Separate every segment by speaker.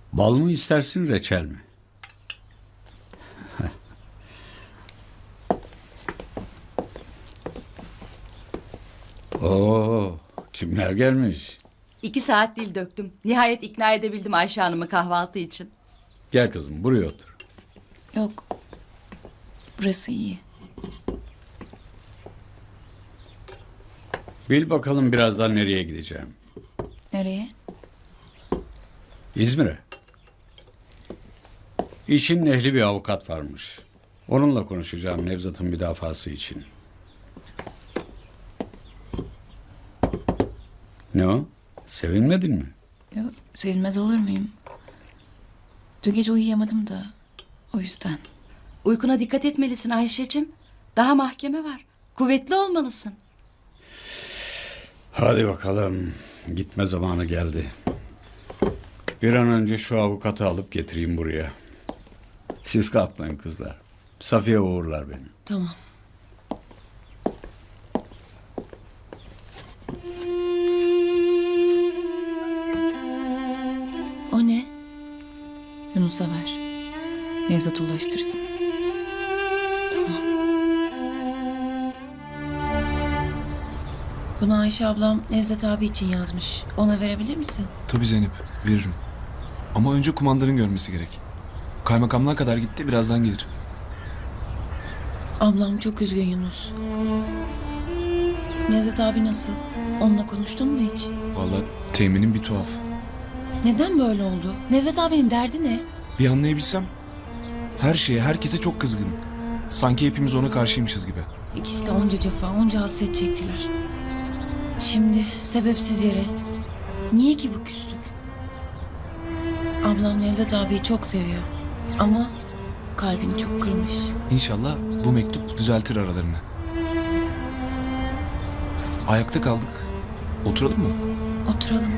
Speaker 1: Bal mı istersin, reçel mi? Oo, kimler gelmiş?
Speaker 2: 2 saat dil döktüm. Nihayet ikna edebildim Ayşe Hanım'ı kahvaltı için.
Speaker 1: Gel kızım, buraya otur.
Speaker 3: Yok. Burası iyi.
Speaker 1: Bil bakalım birazdan nereye gideceğim.
Speaker 3: Nereye?
Speaker 1: İzmir'e. İşin ehli bir avukat varmış. Onunla konuşacağım Nevzat'ın müdafası için. Ne o? Sevinmedin mi?
Speaker 3: Yok, sevilmez olur muyum? Dün gece uyuyamadım da. O yüzden.
Speaker 2: Uykuna dikkat etmelisin Ayşe'cim. Daha mahkeme var. Kuvvetli olmalısın.
Speaker 1: Hadi bakalım. Gitme zamanı geldi. Bir an önce şu avukatı alıp getireyim buraya. Siz kalkmayın kızlar. Safiye uğurlar beni.
Speaker 3: Tamam. O ne? Yunus'a ver. Nevzat'a ulaştırsın. Tamam. Bunu Ayşe ablam Nevzat abi için yazmış. Ona verebilir misin?
Speaker 4: Tabii Zeynep, veririm. Ama önce kumandanın görmesi gerek. Kaymakamlığa kadar gitti, birazdan gelir.
Speaker 3: Ablam çok üzgün Yunus. Nevzat abi nasıl? Onunla konuştun mu hiç?
Speaker 4: Vallahi teminin bir tuhaf.
Speaker 3: Neden böyle oldu? Nevzat abinin derdi ne?
Speaker 4: Bir anlayabilsem, her şeye, herkese çok kızgın. Sanki hepimiz ona karşıymışız gibi.
Speaker 3: İkisi de onca cefa, onca hasret çektiler. Şimdi sebepsiz yere. Niye ki bu küslük? Ablam Nevzat abiyi çok seviyor. Ama kalbini çok kırmış.
Speaker 4: İnşallah bu mektup düzeltir aralarını. Ayakta kaldık. Oturalım mı?
Speaker 3: Oturalım.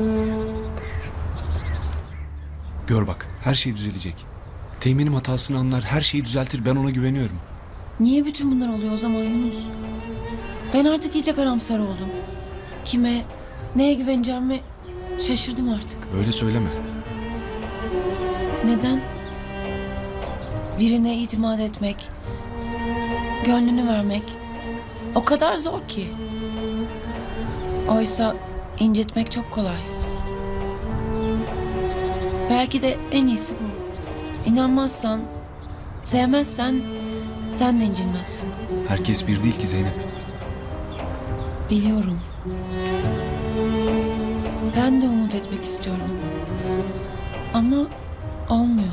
Speaker 4: Gör bak, her şey düzelecek. Teğmenim hatasını anlar, her şeyi düzeltir. Ben ona güveniyorum.
Speaker 3: Niye bütün bunlar oluyor o zaman Yunus? Ben artık iyice karamsar oldum. Kime, neye güveneceğimi şaşırdım artık.
Speaker 4: Böyle söyleme.
Speaker 3: Neden? Birine itimat etmek, gönlünü vermek o kadar zor ki. Oysa incitmek çok kolay. Belki de en iyisi bu. İnanmazsan, sevmezsen sen de incinmezsin.
Speaker 4: Herkes bir değil ki Zeynep.
Speaker 3: Biliyorum. Ben de umut etmek istiyorum. Ama olmuyor.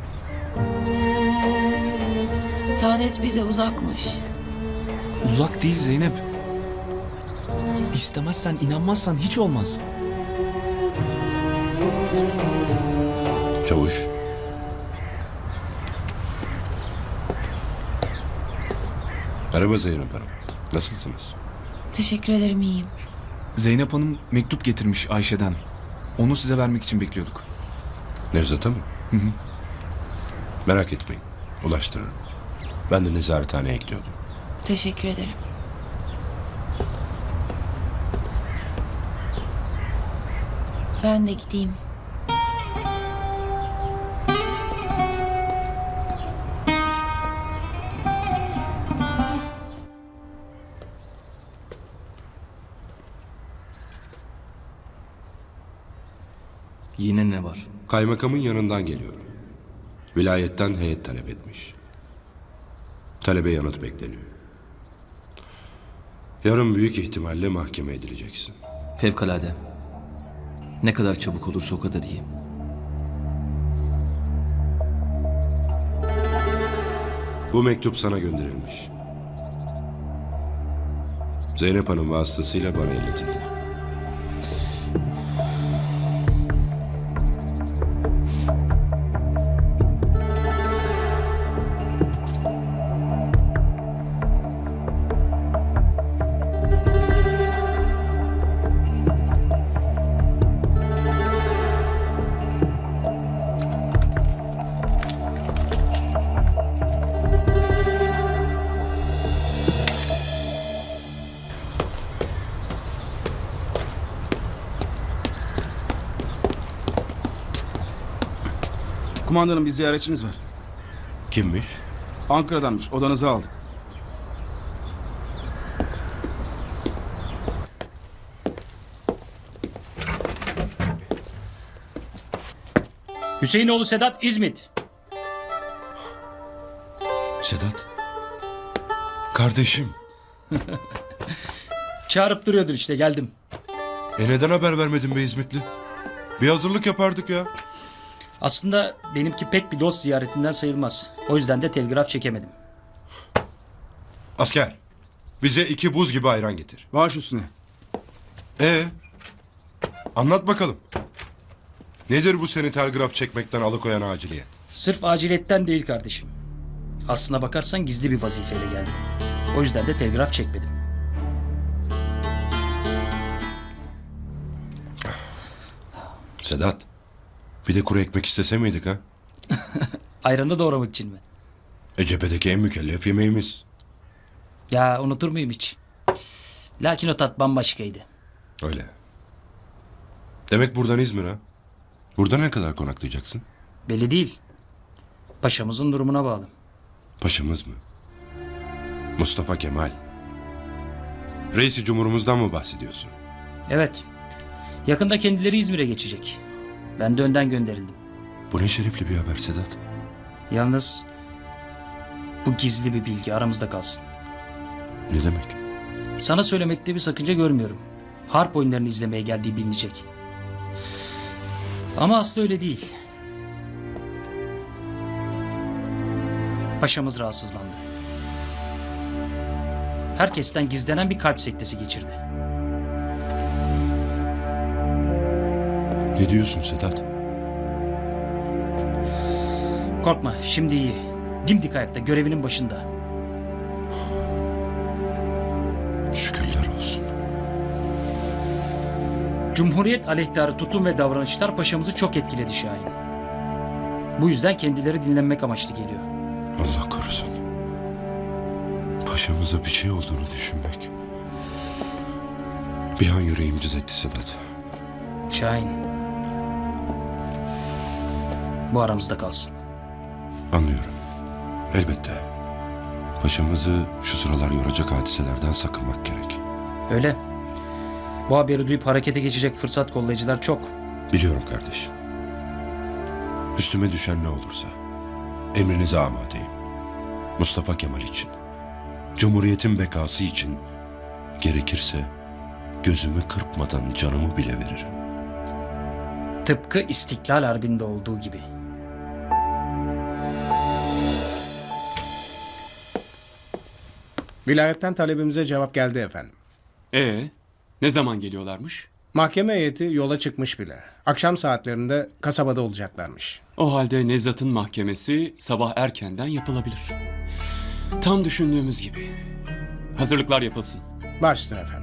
Speaker 3: Saadet bize uzakmış.
Speaker 4: Uzak değil Zeynep. İstemezsen, inanmazsan hiç olmaz.
Speaker 5: Çavuş. Merhaba Zeynep Hanım. Nasılsınız?
Speaker 3: Teşekkür ederim, iyiyim.
Speaker 4: Zeynep Hanım mektup getirmiş Ayşe'den. Onu size vermek için bekliyorduk.
Speaker 5: Nevzat'a mı?
Speaker 4: Hı hı.
Speaker 5: Merak etmeyin. Ulaştırırım. Ben de nezarethaneye gidiyordum.
Speaker 3: Teşekkür ederim. Ben de gideyim.
Speaker 6: Yine ne var?
Speaker 5: Kaymakamın yanından geliyorum. Vilayetten heyet talep etmiş. Talebe yanıt bekleniyor. Yarın büyük ihtimalle mahkeme edileceksin.
Speaker 6: Fevkalade. Ne kadar çabuk olursa o kadar iyi.
Speaker 5: Bu mektup sana gönderilmiş. Zeynep Hanım vasıtasıyla bana iletildi.
Speaker 7: Kumandanım bir ziyaretçiniz var.
Speaker 5: Kimmiş?
Speaker 7: Ankara'danmış. Odanızı aldık.
Speaker 8: Hüseyinoğlu Sedat İzmit.
Speaker 5: Sedat. Kardeşim.
Speaker 8: Çağırıp duruyordur işte, geldim.
Speaker 5: Neden haber vermedin be İzmitli? Bir hazırlık yapardık ya.
Speaker 8: Aslında benimki pek bir dost ziyaretinden sayılmaz. O yüzden de telgraf çekemedim.
Speaker 5: Asker. Bize 2 buz gibi ayran getir.
Speaker 7: Baş üstüne.
Speaker 5: Anlat bakalım. Nedir bu seni telgraf çekmekten alıkoyan aciliyet?
Speaker 8: Sırf aciliyetten değil kardeşim. Aslına bakarsan gizli bir vazifeyle geldim. O yüzden de telgraf çekmedim.
Speaker 5: Sedat. Bir de kuru ekmek istese miydik ha?
Speaker 8: Ayranı doğramak için mi?
Speaker 5: Cephedeki en mükellef yemeğimiz.
Speaker 8: Ya unutur muyum hiç? Lakin o tat bambaşkaydı.
Speaker 5: Öyle. Demek buradan İzmir ha? Burada ne kadar konaklayacaksın?
Speaker 8: Belli değil. Paşamızın durumuna bağlı.
Speaker 5: Paşamız mı? Mustafa Kemal. Reis-i Cumhurumuzdan mı bahsediyorsun?
Speaker 8: Evet. Yakında kendileri İzmir'e geçecek. Ben de önden gönderildim.
Speaker 5: Bu ne şerefli bir haber Sedat.
Speaker 8: Yalnız bu gizli bir bilgi, aramızda kalsın.
Speaker 5: Ne demek?
Speaker 8: Sana söylemekte bir sakınca görmüyorum. Harp oyunlarını izlemeye geldiği bilinecek. Ama aslı öyle değil. Paşamız rahatsızlandı. Herkesten gizlenen bir kalp sektesi geçirdi.
Speaker 5: Ne diyorsun Sedat?
Speaker 8: Korkma, şimdi iyi. Dimdik ayakta, görevinin başında.
Speaker 5: Şükürler olsun.
Speaker 8: Cumhuriyet aleyhtarı tutum ve davranışlar paşamızı çok etkiledi Şahin. Bu yüzden kendileri dinlenmek amaçlı geliyor.
Speaker 5: Allah korusun. Paşamıza bir şey olduğunu düşünmek. Bir an yüreğim cız etti Sedat.
Speaker 8: Şahin. Bu aramızda kalsın.
Speaker 5: Anlıyorum. Elbette. Paşamızı şu sıralar yoracak hadiselerden sakınmak gerek.
Speaker 8: Öyle. Bu haberi duyup harekete geçecek fırsat kollayıcılar çok.
Speaker 5: Biliyorum kardeşim. Üstüme düşen ne olursa emrinize amadeyim. Mustafa Kemal için, Cumhuriyetin bekası için, gerekirse gözümü kırpmadan canımı bile veririm.
Speaker 8: Tıpkı İstiklal Harbi'nde olduğu gibi.
Speaker 9: Vilayetten talebimize cevap geldi efendim.
Speaker 10: Ne zaman geliyorlarmış?
Speaker 9: Mahkeme heyeti yola çıkmış bile. Akşam saatlerinde kasabada olacaklarmış.
Speaker 10: O halde Nevzat'ın mahkemesi sabah erkenden yapılabilir. Tam düşündüğümüz gibi. Hazırlıklar yapılsın.
Speaker 9: Baş üstüne efendim.